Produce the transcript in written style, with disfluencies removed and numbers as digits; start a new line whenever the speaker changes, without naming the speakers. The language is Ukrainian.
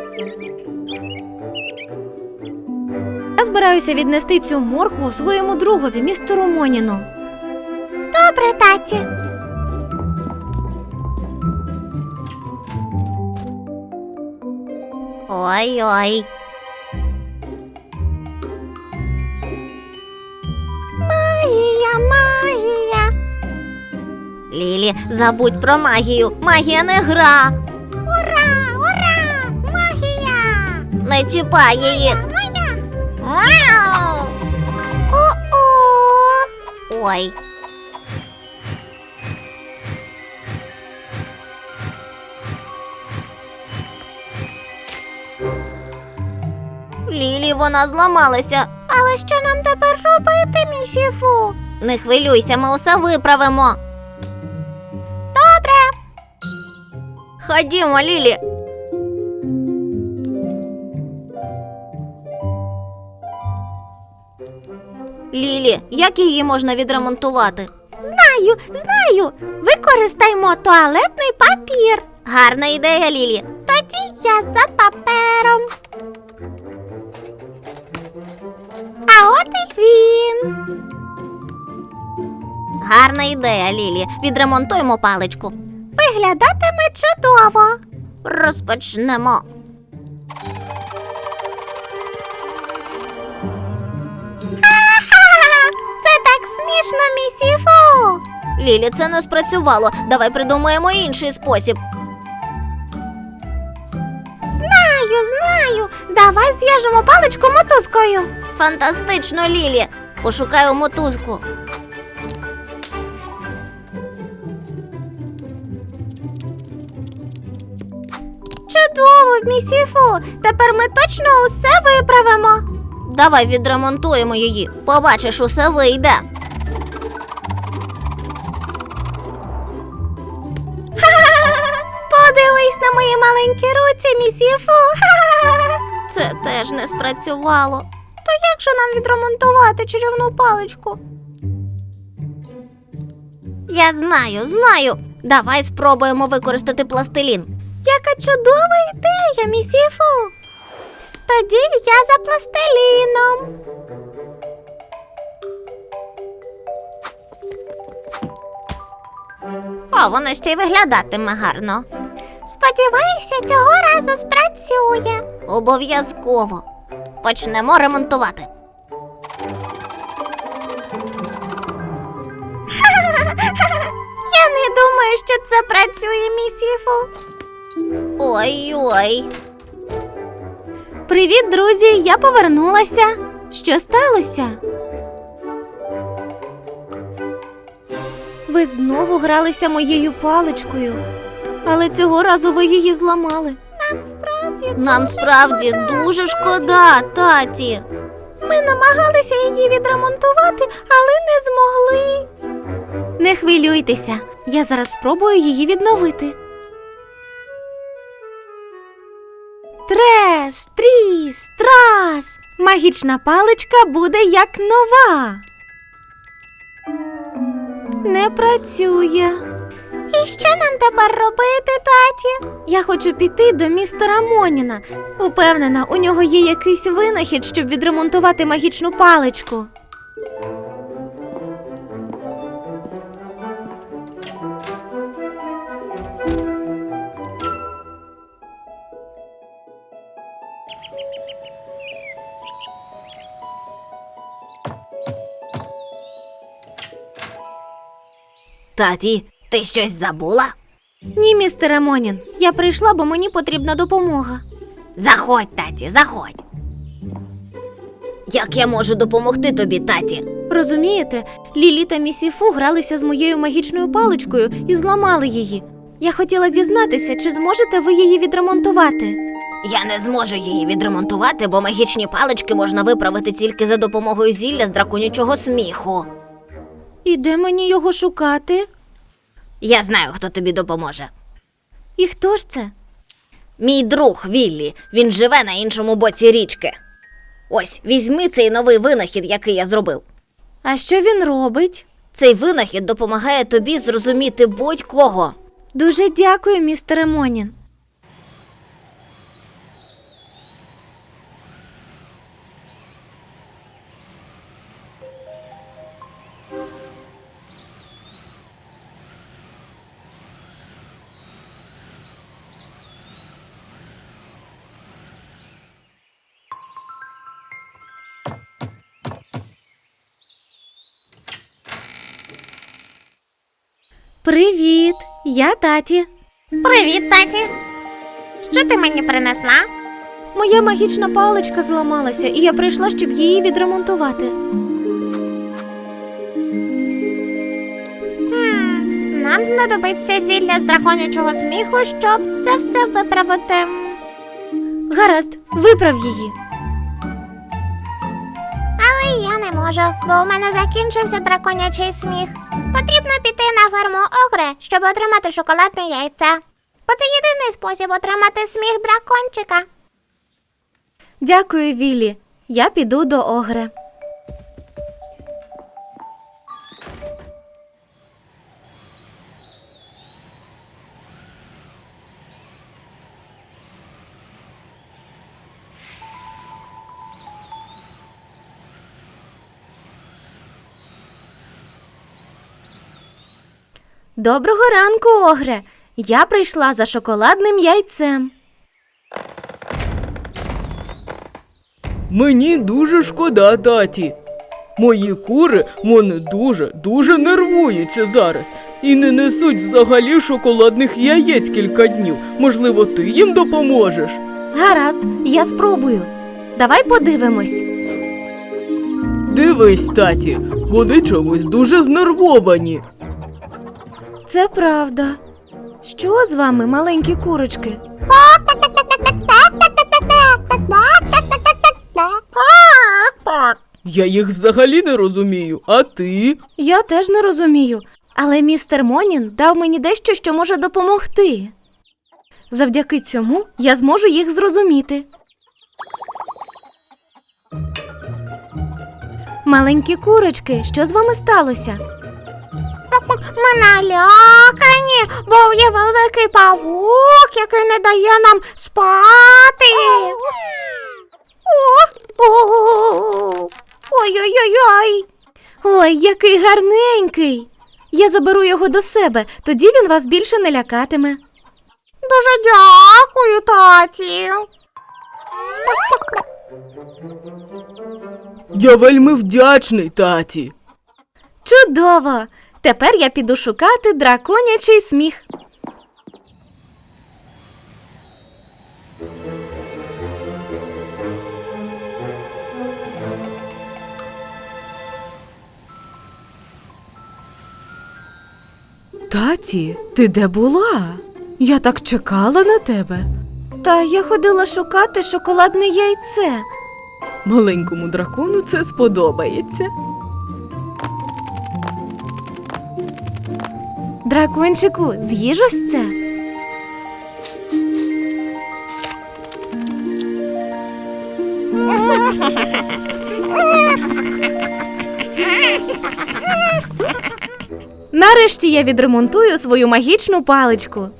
Я збираюся віднести цю моркву своєму другові, містеру Моніну.
Добре, таті. Ой-ой. Магія, магія. Лілі, забудь про магію. Магія не гра. Ура, ура! Магія! Не чіпай її. Мяу! О-о! Ой. Лілі, вона зламалася. Але що нам тепер робити, місіфу? Не хвилюйся, ми усе виправимо. Добре. Ходімо, Лілі. Лілі, як її можна відремонтувати? Знаю. Використаймо туалетний папір. Гарна ідея, Лілі. Тоді я за папером. А от і він. Гарна ідея, Лілі. Відремонтуємо паличку. Виглядатиме чудово. Розпочнемо. Це так смішно, місіфу. Лілі, це не спрацювало. Давай придумаємо інший спосіб. Знаю. Давай зв'яжемо паличку мотузкою. Фантастично, Лілі. Пошукаю мотузку. Чудово, місіфу. Тепер ми точно усе виправимо. Давай відремонтуємо її. Побачиш, усе вийде. Подивись на мої маленькі руці, місіфу. Це теж не спрацювало. То як же нам відремонтувати чарівну паличку? Я знаю. Давай спробуємо використати пластилін. Яка чудова ідея, місіфу. Тоді я за пластиліном. О, воно ще й виглядатиме гарно. Сподіваюся, цього разу спрацює. Обов'язково. Почнемо ремонтувати. Я не думаю, що це працює, місіфу. Ой-ой.
Привіт, друзі, я повернулася. Що сталося? Ви знову гралися моєю паличкою, але цього разу ви її зламали.
Нам справді дуже шкода, таті. Ми намагалися її відремонтувати, але не змогли.
Не хвилюйтеся, я зараз спробую її відновити. Трес, тріс, трас! Магічна паличка буде як нова. Не працює.
І що нам тепер робити, таті?
Я хочу піти до містера Моніна. Упевнена, у нього є якийсь винахід, щоб відремонтувати магічну паличку.
Таті, ти щось забула?
Ні, містере Монін, я прийшла, бо мені потрібна допомога.
Заходь, таті, заходь. Як я можу допомогти тобі, таті?
Розумієте, Лілі та місіфу гралися з моєю магічною паличкою і зламали її. Я хотіла дізнатися, чи зможете ви її відремонтувати.
Я не зможу її відремонтувати, бо магічні палички можна виправити тільки за допомогою зілля з драконячого сміху.
І де мені його шукати?
Я знаю, хто тобі допоможе.
І хто ж це?
Мій друг Віллі, він живе на іншому боці річки. Ось, візьми цей новий винахід, який я зробив.
А що він робить?
Цей винахід допомагає тобі зрозуміти будь-кого.
Дуже дякую, містере Монін. Привіт, я Таті.
Привіт, таті. Що ти мені принесла?
Моя магічна паличка зламалася, і я прийшла, щоб її відремонтувати.
Нам знадобиться зілля з драконячого сміху, щоб це все виправити.
Гаразд, виправ її.
Але я не можу, бо у мене закінчився драконячий сміх. Потрібно піти на ферму Огре, щоб отримати шоколадне яйце. Бо це єдиний спосіб отримати сміх дракончика.
Дякую, Віллі. Я піду до Огре. Доброго ранку, Огре. Я прийшла за шоколадним яйцем.
Мені дуже шкода, таті. Мої кури, вони дуже нервуються зараз і не несуть взагалі шоколадних яєць кілька днів. Можливо, ти їм допоможеш?
Гаразд, я спробую. Давай подивимось.
Дивись, таті, вони чомусь дуже знервовані.
Це правда. Що з вами, маленькі курочки?
Я їх взагалі не розумію, а ти?
Я теж не розумію, але містер Монін дав мені дещо, що може допомогти. Завдяки цьому я зможу їх зрозуміти. Маленькі курочки, що з вами сталося?
Ми налякані, бо є великий павук, який не дає нам спати. Ой-ой-ой-ой.
Ой, який гарненький! Я заберу його до себе, тоді він вас більше не лякатиме.
Дуже дякую, таті.
Я вельми вдячний, таті.
Чудово! Тепер я піду шукати драконячий сміх.
Таті, ти де була? Я так чекала на тебе.
Та я ходила шукати шоколадне яйце.
Маленькому дракону це сподобається.
Дракончику, з'їж ось це. Нарешті я відремонтую свою магічну паличку.